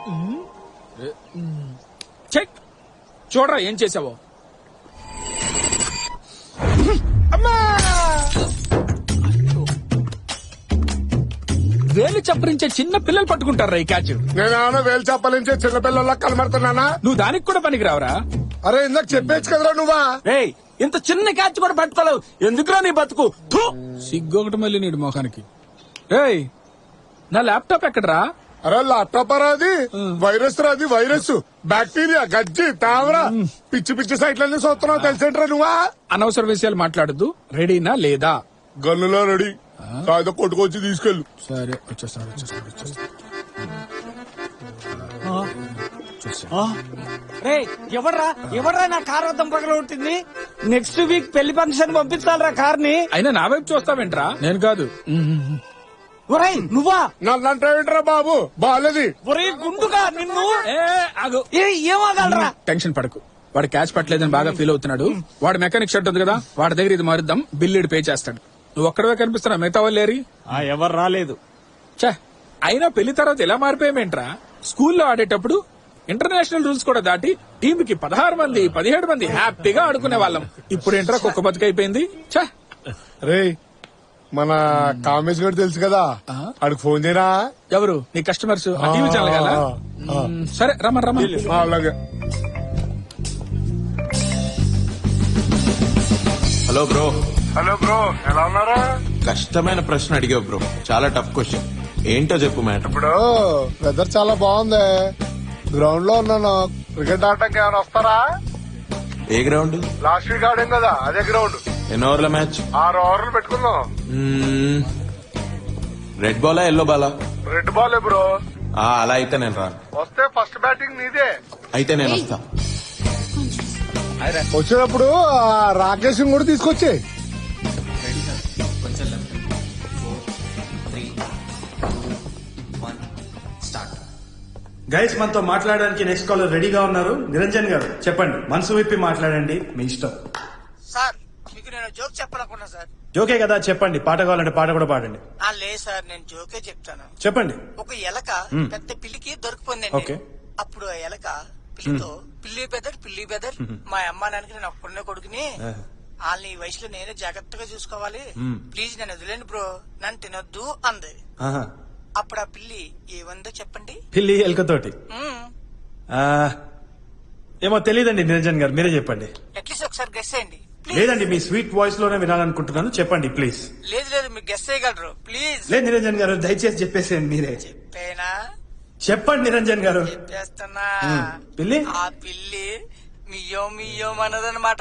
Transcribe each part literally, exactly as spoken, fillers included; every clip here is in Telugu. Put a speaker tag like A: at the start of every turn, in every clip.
A: చెక్ చూడరా ఏం చేసావో. అమ్మా వేలు చప్పరించే చిన్న పిల్లలు పట్టుకుంటారా ఈ క్యాచ్.
B: నేను వేలు చప్పలించే చిన్న పిల్లల్లా కనబడుతున్నానా?
A: నువ్వు దానికి కూడా పనికి రావరా?
B: అరే ఇందాక చెప్పేచ్చు కదరా నువ్వా.
C: రేయ్ ఇంత చిన్న క్యాచ్ కూడా పట్టుకోలేవు, ఎందుకురా నీ బతుకు?
A: సిగ్గొకటి మళ్ళీ నీడు మొఖానికి. రేయ్ నా ల్యాప్టాప్ ఎక్కడరా?
B: అరే ల్యాప్టాప్ రాది వైరస్ రాది వైరస్ బ్యాక్టీరియా గజ్జి తావరా పిచ్చి పిచ్చి సైట్లన్నీ చూస్తున్నావు తెలిసేంట్రా నువ్వా.
A: అనవసర విషయాలు మాట్లాడద్దు. రెడీనా లేదా?
B: గన్నులో రెడీ, కాదు కొట్టుకొచ్చి తీసుకెళ్ళు.
A: సరే వచ్చేస్తాను వచ్చేస్తాను వచ్చేస్తాను.
C: రే ఎవడ్రా ఎవడ్రా నా కార్ వద్దం పగల ఉంటుంది. నెక్స్ట్ వీక్ పెళ్లి ఫంక్షన్ పంపించాలరా కార్ ని.
A: అయినా నా వైపు చూస్తావేంట్రా? నేను కాదు.
C: ఒరేయ్ నువ్వా?
B: నన్నంటావేంట్రా బాబు బాలేది.
C: ఒరేయ్ గుండుగా నిన్ను.
A: ఏ ఆగు.
C: ఏ ఏమగలరా?
A: టెన్షన్ పడకు. వాడు క్యాచ్ పట్టలేదని బాగా ఫీల్ అవుతున్నాడు. వాడు మెకానిక్ షర్ట్ ఉంది కదా, వాడి దగ్గర ఇది మారుద్దాం, బిల్లుడు పే చేస్తాడు. నువ్వు ఒక్కడవే కనిపిస్తున్నా, మిగతా వాళ్ళు లేరి.
C: ఎవరు రాలేదు.
A: చా అయినా పెళ్లి తర్వాత ఎలా మారిపోయామేంట్రా? స్కూల్లో ఆడేటప్పుడు ఇంటర్నేషనల్ రూల్స్ కూడా దాటి టీమ్ కి పదహారు మంది పదిహేడు మంది హ్యాపీగా ఆడుకునే వాళ్ళం. ఇప్పుడు ఏంట్రా కుక్క బతుకైపోయింది. చా
B: రే మన కామేష్ గారు తెలుసు కదా, అడికి ఫోన్ చేయరా.
A: ఎవరు నీ కస్టమర్స్? టీవీ ఛానల్ కదా. సరే రమ్మని రమ్మని.
B: అలాగే.
D: Hello bro.
B: హలో బ్రో, ఎలా ఉన్నారా?
D: కష్టమైన ప్రశ్న అడిగావు బ్రో, చాలా టఫ్ క్వశ్చన్. ఏంటో చెప్పు మ్యాటర్.
B: ఇప్పుడు వెదర్ చాలా బాగుంది, గ్రౌండ్ లో ఉన్నాను. క్రికెట్ ఆడటానికి ఏమైనా వస్తారా?
D: ఏ గ్రౌండ్?
B: లాస్ట్ వీక్ ఆడాం కదా అదే గ్రౌండ్.
D: ఎన్ని ఓవర్ల మ్యాచ్?
B: ఆరు ఓవర్లు పెట్టుకుందాం.
D: రెడ్ బాలా ఎల్లో బాలా?
B: Red ball bro.
D: ఆ, అలా అయితే నేను రాను.
B: వస్తే ఫస్ట్ బ్యాటింగ్ నీదే.
D: అయితే నేను వస్తా.
B: వచ్చేటప్పుడు రాకేష్ కూడా తీసుకొచ్చే.
E: గైస్ మనతో మాట్లాడడానికి నెక్స్ట్ కాలర్ రెడీగా ఉన్నారు. నిరంజన్ గారు చెప్పండి, మనసు విప్పి మాట్లాడండి, మీ ఇష్టం.
F: సార్ మీకు నేను జోక్ చెప్పాలనుకున్నా సార్.
E: జోకే కదా, చెప్పండి. పాట కావాలంటే పాట కూడా పాడండి.
F: ఆ లేదు సార్, నేను జోకే చెప్తాను.
E: చెప్పండి.
F: ఒక ఎలక పెద్ద పిల్లికి
E: ఓకే.
F: దొరికిపోయిందండి. అప్పుడు ఆ ఎలక పిల్లితో, పిల్లి బెదర్ పిల్లి బెదర్ మా అమ్మ నాన్నకి నేను ఒక్కడనే కొడుకుని, వాళ్ళని ఈ వయసులో నేనే జాగ్రత్తగా చూసుకోవాలి, ప్లీజ్ నన్ను వదిలేండి బ్రో, నన్ను తినొద్దు అంది.
E: ఆహా.
F: అప్పుడు ఆ పిల్లి ఏమందో చెప్పండి.
E: పిల్లి ఎలుకతోటి
F: మ్మ్.
E: ఆ, ఏమో తెలియదండి. నిరంజన్ గారు మీరే చెప్పండి.
F: అట్లీస్ట్ ఒకసారి గెస్ చేయండి ప్లీజ్.
E: లేదండి, మీ స్వీట్ వాయిస్ లోనే వినాలనుకుంటున్నాను, చెప్పండి ప్లీజ్.
F: లేదు లేదు మీరు గెస్ చేయగలరు ప్లీజ్.
E: లేదు నిరంజన్ గారు, దయచేసి చెప్పేసేయండి మీరే.
F: చెప్పేనా?
E: చెప్పండి నిరంజన్ గారు.
F: చెప్పేస్తున్నా.
E: పిల్లి
F: ఆ పిల్లి మియ్యో మియ్యో అన్నదన్నమాట.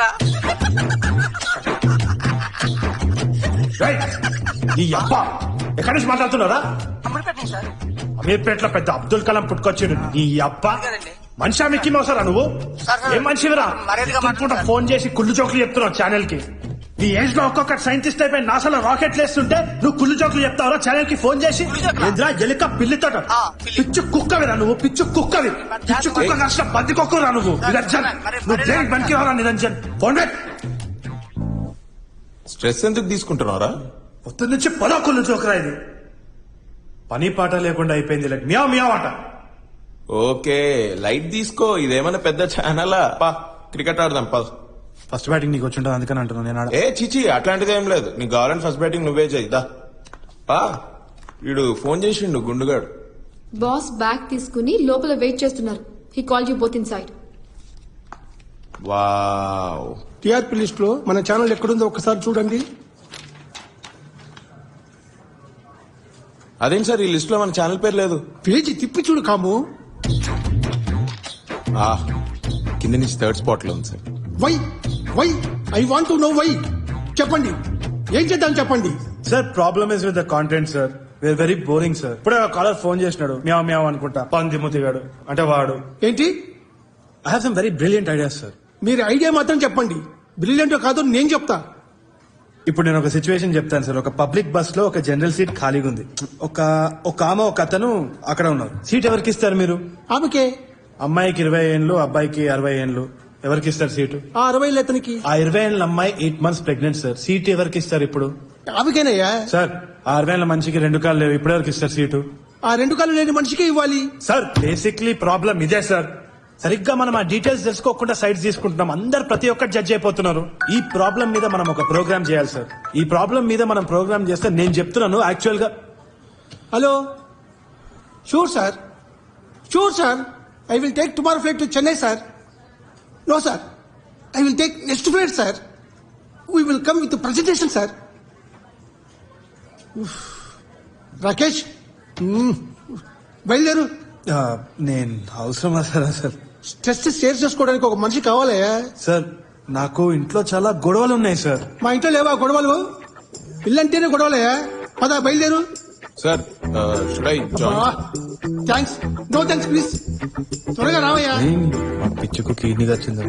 E: ఈ అబ్బా ఎక్కడి నుంచి మాట్లాడుతున్నారా?
F: అమ్మడిపెట్టండి సార్.
E: అమీర్పేటలో పెద్ద అబ్దుల్ కలాం పుట్టుకొచ్చాడు. ఈ అబ్బా
F: కదండి.
E: మనిషా మిక్కి మోసారా నువ్వు?
F: సార్, సార్,
E: ఏం మనిషివిరా?
F: మర్యాదగా మాట్లాడండి సార్.
E: ఫోన్ చేసి కుళ్ళు జోకులు చెప్తున్నావు ఛానల్ కి. నీ ఏజ్ లో ఒక్కొక్క సైంటిస్ట్ అయిపోయి నాసాలో రాకెట్లు వేస్తుంటే నువ్వు కుళ్ళు జోకులు చెప్తావురా ఛానల్ కి ఫోన్ చేసి? ఎదురా ఎలుక పిల్లితో
F: ఆ, పిల్లి.
E: పిచ్చు కుక్కవిరా నువ్వు, పిచ్చు కుక్కవి. పిచ్చు కుక్క కాసిన బంది కుక్కరా నువ్వు. నిరంజన్
F: మరి-
E: నువ్వు
F: మరి-
E: దేనికి పనికి రారా నిరంజన్? ఫోన్ పెట్.
D: స్ట్రెస్ ఎందుకు తీసుకుంటున్నారా?
E: పొద్దు నుంచి పదో కుళ్ళు జోకురా ఇది. పని పాట లేకుండా అయిపోయింది. లైక్ మియా మియా ఆట.
D: ఓకే లైట్ తీసుకో, ఇదేమన్నా పెద్ద ఛానలా? పా క్రికెట్ ఆడదాం పద.
E: ఫస్ట్ బ్యాటింగ్ నీకు వచ్చి ఉంటుంది అందుకని అంటున్నాను నేను. ఆడ
D: ఏ చిచి అట్లాంటిది ఏం లేదు. నీకు కావాలంటే ఫస్ట్ బ్యాటింగ్ నువ్వే చేయిదా. పా వీడు ఫోన్ చేసిండు గుండుగాడు.
G: బాస్ బ్యాగ్ తీసుకుని లోపల వెయిట్ చేస్తున్నారు. He call you both inside.
D: Wow.
B: TRP list లో మన ఛానల్ ఎక్కడుందో ఒకసారి చూడండి.
D: అదేం సార్ ఈ లిస్ట్ లో మన ఛానల్ పేరు లేదు?
B: పేజీ తిప్పి చూడు కాము.
D: ఆ కింద నుంచి థర్డ్ స్పాట్ లో ఉంది sir.
B: Why why I want to know why. చెప్పండి ఏం చేద్దాం చెప్పండి.
E: Sir problem is with the content sir. We are very boring sir. ఇప్పుడే కాలర్ ఫోన్ చేసినాడు, మ్యావ్ మ్యావ్ అనుకుంటా, పంది ముతిగాడు అంటే వాడు.
B: ఏంటి?
E: I have some very brilliant ideas sir.
B: మీరు ఐడియా మాత్రం చెప్పండి, బ్రిలియంట్ కాదో నేను చెప్తా.
E: ఇప్పుడు నేను ఒక సిచ్యువేషన్ చెప్తాను సార్. ఒక పబ్లిక్ బస్ లో ఒక జనరల్ సీట్ ఖాళీగా ఉంది. ఒక ఒక ఆమె ఒక అతను అక్కడ ఉన్నారు. సీట్ ఎవరికి ఇస్తారు మీరు?
B: ఆమెకే.
E: అమ్మాయికి ఇరవై ఏళ్ళు, అబ్బాయికి అరవై ఏళ్ళు. ఎవరికి ఇస్తారు సీటు?
B: ఆ అరవై అతనికి.
E: ఆ ఇరవై ఏళ్ళ అమ్మాయి eight months pregnant sir. Seat ఎవరికి ఇస్తారు ఇప్పుడు?
B: ఆమెకేనయ్యా.
E: సార్ ఆ అరవై ఏళ్ళ మనిషికి రెండు కాళ్ళు లేవు, ఇప్పుడు ఎవరికి ఇస్తారు సీటు?
H: ఆ రెండు కాళ్ళు లేని మనిషికే ఇవ్వాలి.
E: సార్ బేసిక్లీ ప్రాబ్లం ఇదే సార్. సరిగ్గా మనం ఆ డీటెయిల్స్ తెలుసుకోకుండా సైడ్స్ తీసుకుంటున్నాం. అందరు ప్రతి ఒక్కటి జడ్జ్ అయిపోతున్నారు. ఈ ప్రాబ్లం మీద మనం ఒక ప్రోగ్రామ్ చేయాలి సార్. ఈ ప్రాబ్లం మీద మనం ప్రోగ్రామ్ చేస్తే నేను చెప్తున్నాను యాక్చువల్ గా.
H: Hello, sure sir, sure sir. I will take tomorrow flight to Chennai sir. No sir, I will take next flight sir. We will come with presentation sir. Rakesh, మ్మ్. బయలుదేరు.
E: ఆ, నేను అవసరం సార్ సార్
H: స్ట్రెస్ షేర్ చేసుకోవడానికి ఒక మనిషి కావాలయ్యా.
E: సార్ నాకు ఇంట్లో చాలా గొడవలు ఉన్నాయి సార్.
H: మా ఇంట్లో లేవా గొడవలు? ఇల్లంటేనే గొడవలయ్యా. పద బయలుదేరు.
D: Sir should I join?
H: Thanks, no thanks please. త్వరగా రావయ్యా.
E: మా పిచ్చుకు కిడ్నీ వచ్చింది.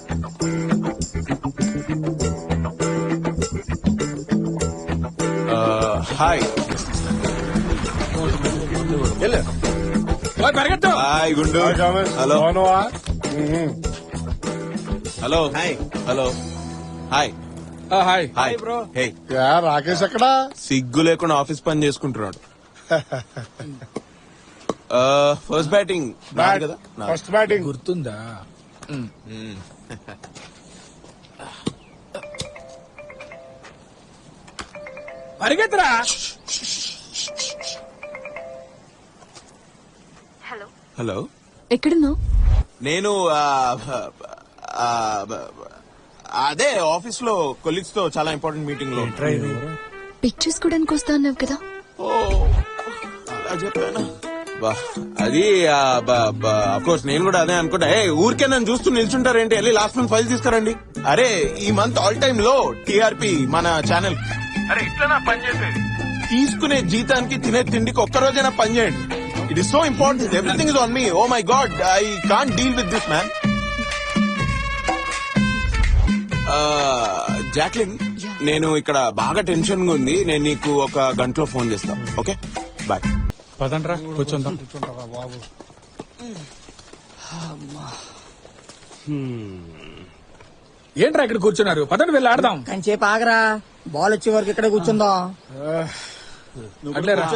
D: హాయ్
A: ఓయ్, పరిగెత్తు.
D: హాయ్ గుండు. Hello hello hi hello hi
A: ఆ, hi
D: hi bro. Hey,
B: yeah, Rakesh ఎక్కడా?
D: సిగ్గు లేకుండా ఆఫీస్ పని చేసుకుంటున్నాడు. ఫస్ట్ బ్యాటింగ్ నాది కదా. నాది.
B: First batting.
A: గుర్తుందా? పరిగెత్తరా.
D: హలో,
G: ఎక్కడున్నావు?
D: నేను ఆ, ఆ, అదే ఆఫీస్ లో కొలీగ్స్ తో చాలా ఇంపార్టెంట్ మీటింగ్ లో.
G: పిక్ చేసుకోవడానికి వస్తా అన్నావు కదా.
D: ఓ, అలా చెప్పానా? బా, అది కోర్స్ నేను కూడా అదే అనుకుంటా. ఏ ఊరికే నన్ను చూస్తూ నిల్చుంటారేంటి? వెళ్ళి లాస్ట్ మంత్ ఫైల్ తీసుకురండి. అరే ఈ మంత్ ఆల్ టైమ్ లో టీఆర్పీ మన ఛానల్. అరే ఇట్లా పని చేసేది. తీసుకునే జీతానికి తినే తిండికి ఒక్క రోజైనా పని చేయండి. It is so important. Everything is on me. Oh my god, I can't deal with this man. Jacqueline, నేను ఇక్కడ బాగా టెన్షన్ గా ఉంది. నేను నీకు ఒక గంటలో ఫోన్ చేస్తా. Okay, bye.
A: పదండ్రా, కూర్చుందాం. ఏంట్రా ఇక్కడ కూర్చున్నారు? పదండి వెళ్ళి ఆడదాం.
F: కంచేపు ఆగరా, బాల్ వచ్చే వరకు ఇక్కడ కూర్చుందాం.
A: అట్లేరా.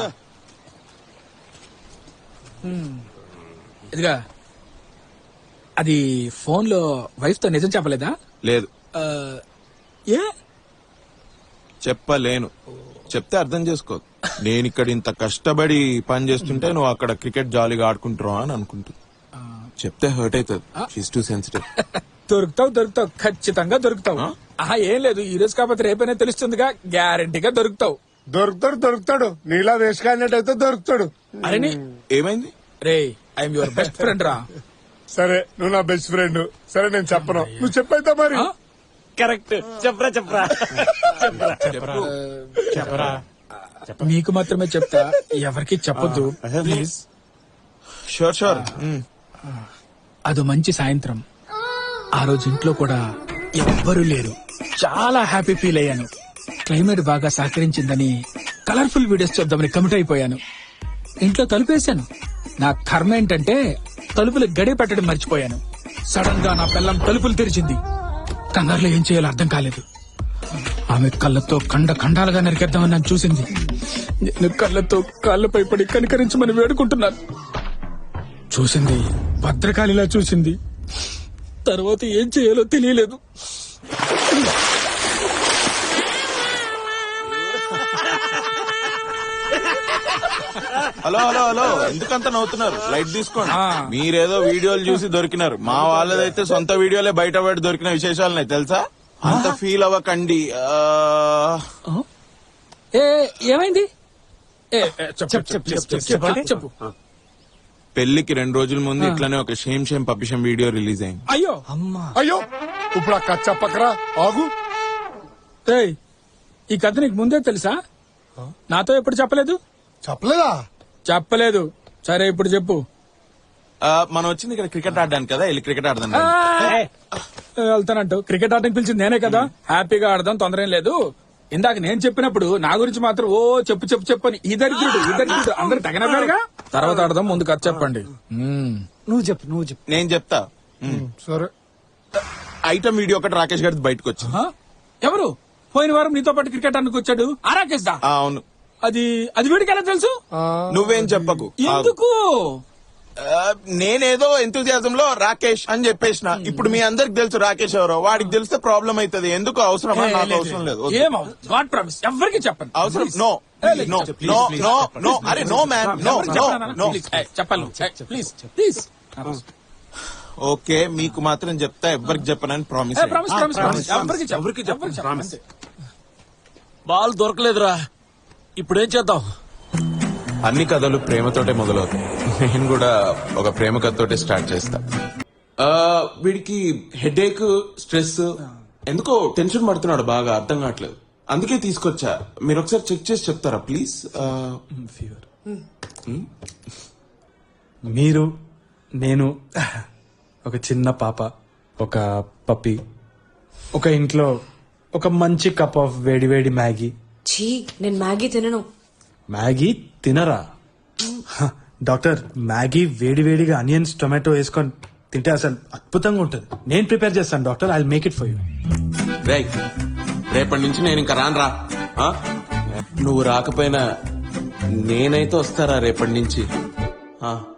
A: హ్మ్. ఇదిగా, అది ఫోన్ లో వైఫ్ తో నిజం చెప్పలేదా?
D: లేదు,
A: ఆ, ఏ?
D: చెప్పలేను. చెప్తే అర్థం చేసుకో. నేను ఇక్కడ ఇంత కష్టపడి పని చేస్తుంటే నువ్వు అక్కడ క్రికెట్ జాలీగా ఆడుకుంటున్నావు అని అనుకుంటుంది. చెప్తే హర్ట్ అవుతుంది. She's too sensitive.
A: దొరుకుతావు దొరుకుతావు, ఖచ్చితంగా దొరుకుతావు. ఆహా, ఏం లేదు, ఈ రోజు కాకపోతే రేపైనా తెలుస్తుందిగా. గ్యారంటీగా దొరుకుతావు.
B: దొరుకుతాడు దొరుకుతాడు. నీలా వేసుకాడినట్టయితే దొరుకుతాడు.
A: అరే నీ-
D: ఏమైంది?
A: రే, ఐఎమ్ యువర్ బెస్ట్ ఫ్రెండ్ రా.
B: సరే, నువ్వు నా బెస్ట్ ఫ్రెండ్. సరే, నేను చెప్పను, నువ్వు చెప్పైతే మరి.
A: ఆ?
C: కరెక్ట్. చెప్పరా చెప్పరా
A: చెప్పరా. నీకు మాత్రమే చెప్తా, ఎవరికి చెప్పొద్దు ప్లీజ్.
D: Sure sure.
A: అదో మంచి సాయంత్రం. ఆ రోజు ఇంట్లో కూడా ఎవ్వరూ లేరు. చాలా హ్యాపీ ఫీల్ అయ్యాను. క్లైమేట్ బాగా సహకరించిందని కలర్ఫుల్ వీడియోస్ చూద్దామని కమిట్ అయిపోయాను. ఇంట్లో తలుపేశాను. నా కర్మ ఏంటంటే తలుపులు గడి పెట్టడం మర్చిపోయాను. సడన్ గా నా పిల్లం తలుపులు తెరిచింది. కంగారులో ఏం చేయాలో అర్థం కాలేదు. ఆమె కళ్ళతో ఖండ ఖండాలుగా నరికేద్దామని నన్ను చూసింది. నేను కళ్ళతో కాళ్ళపై పడి కనికరించమని వేడుకుంటున్నాను. చూసింది, భద్రకాళిలా చూసింది. తర్వాత ఏం చేయాలో తెలియలేదు.
D: హలో హలో హలో, ఎందుకంత నవ్వుతున్నారు? లైట్ తీసుకోండి.
A: ఆ.
D: మీరేదో వీడియోలు చూసి దొరికినారు. మా వాళ్ళదైతే సొంత వీడియోలే బయట పడి దొరికిన విశేషాలున్నాయి తెలుసా. అంత ఫీల్ అవ్వకండి. ఆ,
A: ఏ ఏమైంది? ఏ, ఏ, చెప్పు, చెప్పు, చెప్పు, చెప్పు, చెప్పు, చెప్పు.
D: పెళ్లికి రెండు రోజుల ముందు ఇట్లానే ఒక shame shame puppy shame video release అయింది.
A: అయ్యో,
B: అయ్యో, ఇప్పుడు ఆ కథ చెప్పకరా. ఆగు.
A: ఏయ్, ఈ కథ నీకు ముందే తెలుసా? నాతో ఎప్పుడు చెప్పలేదు?
B: చెప్పలేదా?
A: చెప్పలేదు. సరే, ఇప్పుడు చెప్పు.
D: ఆ, మనం వచ్చింది ఇక్కడ క్రికెట్ ఆడడానికి కదా, వెళ్ళి క్రికెట్ ఆడదాం.
A: ఆ, వెళ్తానంటూ క్రికెట్ ఆడడానికి పిలిచింది నేనే కదా. హ్యాపీగా ఆడదాం, తొందర ఏం లేదు. ఇందాక నేను చెప్పినప్పుడు నా గురించి మాత్రం ఓ చెప్పు చెప్పు చెప్పు అని ఈ దరిద్రుడు ఈ దరిద్రుడు అందరు తగినగా. తర్వాత ఆడదాం, ముందు కథ చెప్పండి. మ్మ్.
C: నువ్వు చెప్పు నువ్వు చెప్పు.
D: నేను చెప్తా.
B: సరే.
D: ఐటమ్ వీడియో ఒకటి రాకేష్ గారి బయటకు వచ్చింది.
A: ఆ? ఎవరు? పోయిన వారం నీతో పాటు క్రికెట్ ఆడడానికి వచ్చాడు ఆ రాకేష్ దా?
D: ఆ, అవును.
A: అది అది వీడికి ఎలా తెలుసు
D: నువ్వేం చెప్పకు
A: ఎందుకు
D: ఆ, నేనేదో ఎంతూజియాజం లో రాకేష్ అని చెప్పేసిన ఇప్పుడు మీ అందరికి తెలుసు రాకేష్ ఎవరో వాడికి తెలిస్తే ప్రాబ్లం అవుతుంది ఎందుకు అవసరమా నాకు అవసరం లేదు వద్దు.
A: ఏం గాడ్ ప్రామిస్ ఎవరికి చెప్పండి
D: అవసరం no no no no no అరే no man no no no
A: చెప్పాలి ప్లీజ్ ప్లీజ్
D: ఓకే మీకు మాత్రం చెప్తా ఎవ్వరికి చెప్పనని ప్రామిస్
A: ప్రామిస్ ప్రామిస్ ప్రామిస్ ఎవరికి ఎవరికి చెప్పండి
I: బాల్ దొరకలేదురా ఇప్పుడేం చేద్దాం
D: అన్ని కథలు ప్రేమతోటే మొదలవుతాయి నేను కూడా ఒక ప్రేమ కథతోటే స్టార్ట్ చేస్తా ఆ, వీడికి హెడేక్ స్ట్రెస్ ఎందుకో టెన్షన్ పడుతున్నాడు బాగా అర్థం కావట్లేదు అందుకే తీసుకొచ్చా మీరు ఒకసారి చెక్ చేసి చెప్తారా ప్లీజ్
E: మీరు నేను ఒక చిన్న పాప ఒక పప్పి ఒక ఇంట్లో ఒక మంచి కప్ ఆఫ్ వేడి వేడి మ్యాగీ
J: ఛీ నేను మ్యాగీ తినను
E: మ్యాగీ తినరా హ, డాక్టర్ మ్యాగీ వేడి వేడిగా అనియన్స్ టొమాటో వేసుకొని తింటే అసలు అద్భుతంగా ఉంటుంది నేను ప్రిపేర్ చేస్తాను doctor I make it for you
D: రే రేపటి నుంచి నేను ఇంకా రాను రా ఆ? నువ్వు రాకపోయినా నేనైతే వస్తారా రేపటి నుంచి ఆ